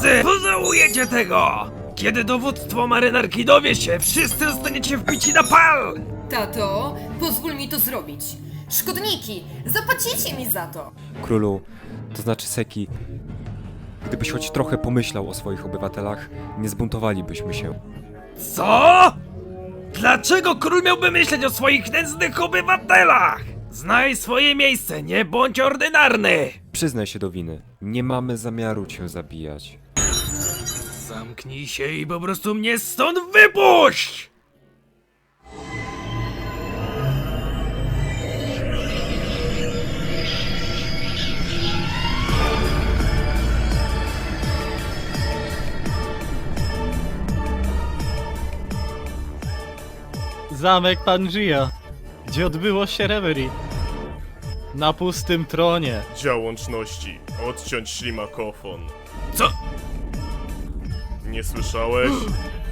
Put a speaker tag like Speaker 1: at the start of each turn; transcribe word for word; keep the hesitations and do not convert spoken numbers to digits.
Speaker 1: Wszyscy pożałujecie tego! Kiedy dowództwo marynarki dowie się, wszyscy zostaniecie wbici na pal!
Speaker 2: Tato, pozwól mi to zrobić. Szkodniki, zapłacicie mi za to.
Speaker 3: Królu, to znaczy Seki, gdybyś choć trochę pomyślał o swoich obywatelach, nie zbuntowalibyśmy się.
Speaker 1: Co? Dlaczego król miałby myśleć o swoich nędznych obywatelach? Znaj swoje miejsce, nie bądź ordynarny!
Speaker 3: Przyznaj się do winy. Nie mamy zamiaru cię zabijać.
Speaker 1: Zamknij się i po prostu mnie stąd wypuść!
Speaker 4: Zamek Pangea, gdzie odbyło się reverie. Na pustym tronie.
Speaker 5: Dział łączności. Odciąć ślimakofon.
Speaker 1: Co?
Speaker 5: Nie słyszałeś?